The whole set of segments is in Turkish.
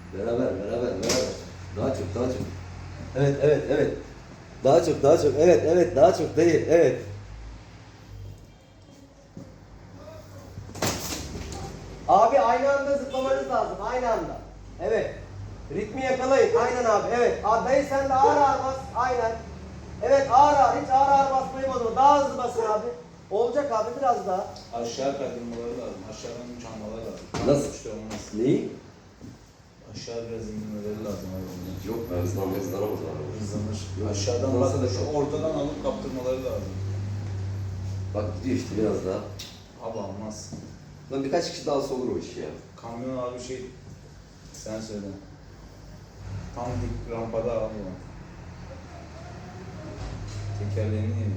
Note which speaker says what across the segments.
Speaker 1: Beraber. Daha çok. Evet. Daha çok. Evet, daha çok dayı, evet. Abi aynı anda zıplamanız lazım, aynı anda. Evet. Ritmi yakalayın, aynen abi, evet. Dayı sen de ağır bas, aynen. Evet, hiç ağır basmayı bozma. Daha hızlı basın abi. Olacak abi, biraz daha.
Speaker 2: Aşağı kaydırmaları lazım. Aşağıdan güç almaları lazım.
Speaker 1: Nasıl?
Speaker 2: İşte olmaz.
Speaker 1: Neyi?
Speaker 2: Aşağı biraz indirmeleri lazım abi.
Speaker 1: Yok, hızlanamaz abi.
Speaker 2: Hızlanır.
Speaker 1: Yok,
Speaker 2: Aşağıdan
Speaker 1: hızlansa
Speaker 2: bak
Speaker 1: da
Speaker 2: şu
Speaker 1: çok.
Speaker 2: ortadan alıp kaptırmaları lazım.
Speaker 1: Bak gidiyor işte biraz daha.
Speaker 2: Abi olmaz.
Speaker 1: Lan birkaç kişi daha olsa olur o iş ya.
Speaker 2: Kamyon abi şey sen söyle. Tam dik rampada abi o. Tekerleğini yedi.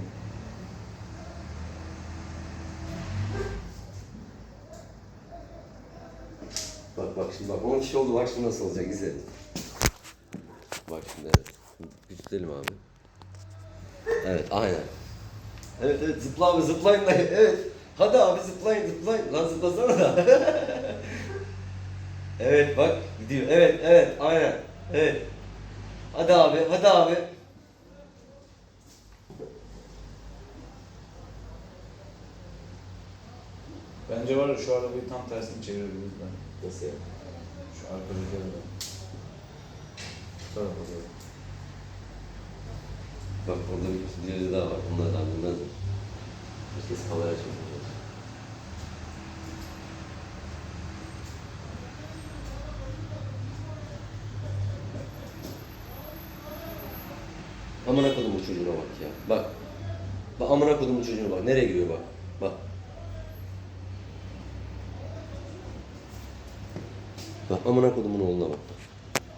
Speaker 1: Bak şimdi 10 kişi oldu, bak şimdi nasıl olacak, izle. Bak şimdi, evet. Güçleyelim abi. Evet, aynen. Evet, zıpla abi, zıplayın da, evet. Hadi abi zıplayın. Lan zıplasana da. Evet bak, gidiyor. Evet, aynen. Evet. Hadi abi.
Speaker 2: Bence var ya şu arabayı tam tersini çevirebiliriz ben.
Speaker 1: Nasıl ya?
Speaker 2: Şu arkadaki arabayı. Şu tarafa doğru.
Speaker 1: Bak orada birileri daha var. Bunlar da bilmezler. Herkes kamera çekiyor. Amına kodumun çocuğuna bak ya. Bak. Bak amına kodumun çocuğuna bak. Nereye giriyor bak. Bak. Bak amına kodumun oğluna bak.